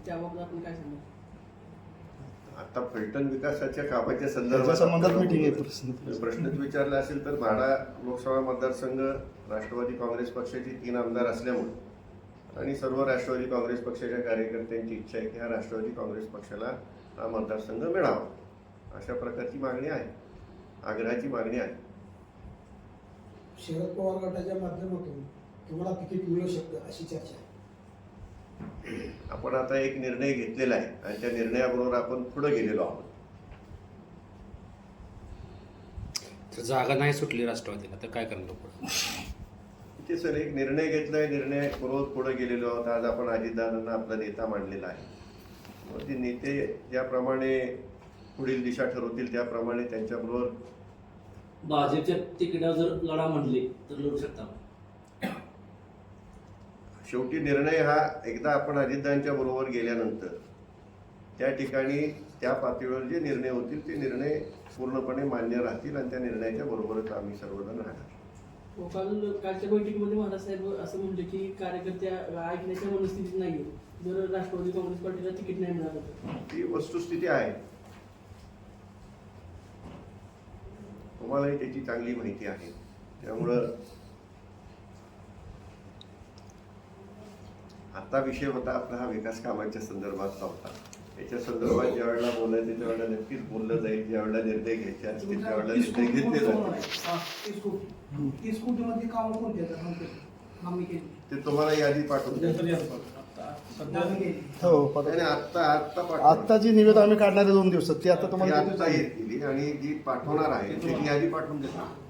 त्याबाबत आपण काय सांगू? आता फलटण विकासाच्या कामाच्या संदर्भात मीटिंग आहे. प्रश्नच विचारला असेल तर म्हाडा लोकसभा मतदारसंघ राष्ट्रवादी काँग्रेस पक्षाची 3 आमदार असल्यामुळे आणि सर्व राष्ट्रवादी काँग्रेस पक्षाच्या कार्यकर्त्यांची इच्छा आहे की हा राष्ट्रवादी काँग्रेस पक्षाला हा मतदारसंघ मिळावा, अशा प्रकारची मागणी आहे, आग्रहाची मागणी आहे. शरद पवार गटाच्या माध्यमातून तुम्हाला तिकीट मिळू शकतं अशी चर्चा आहे. आपण आता एक निर्णय घेतलेला आहे आणि त्या निर्णयाबरोबर आपण पुढे गेलेलो आहोत. तर जागा नाही सुटली राष्ट्रवादीला तर काय करणार पुढे? ते सर एक निर्णय घेतलाय, निर्णय बरोबर पुढे गेलेलो आहोत. आज आपण अजितदादांना आपला नेता मांडलेला आहे. मग ते नेते ज्याप्रमाणे पुढील दिशा ठरवतील त्याप्रमाणे त्यांच्याबरोबर भाजपच्या तिकिटावर जर लढा म्हणले तर लढू शकता. शेवटी निर्णय हा एकदा आपण अजितदादांच्या बरोबर गेल्यानंतर त्या ठिकाणी त्या पातळीवर जे निर्णय होतील ते निर्णय पूर्णपणे मान्य राहतील आणि त्या निर्णयाच्या बरोबरच आम्ही सर्वजण राहणार. कालच्या बैठकीमध्ये महाराज साहेब असं म्हणले की कार्यकर्त्या ऐकण्याच्या मनस्थितीत नाहीये जर राष्ट्रवादी काँग्रेस पार्टीला तिकीट नाही मिळालं तर. ती वस्तुस्थिती आहे, तुम्हालाही त्याची चांगली माहिती आहे. त्यामुळं आता विषय होता आपला हा विकास कामांच्या संदर्भातला होता. याच्या संदर्भात ज्या वेळेला बोलायचं त्यावेळेला नक्कीच बोललं जाईल. ज्या वेळेला निर्णय घ्यायचे असतील त्यावेळेला निर्णय घेतले जातील. 30 कोटीमध्ये काम कोणते आम्ही केली ते तुम्हाला यादी पाठवून द्या. हो, आणि आत्ता आता जी निवेदन आम्ही काढणार आहे 2 दिवसात ती आता ती तुम्हाला आत्ता येतील आणि जी पाठवणार आहे त्याची यादी पाठवून देतो.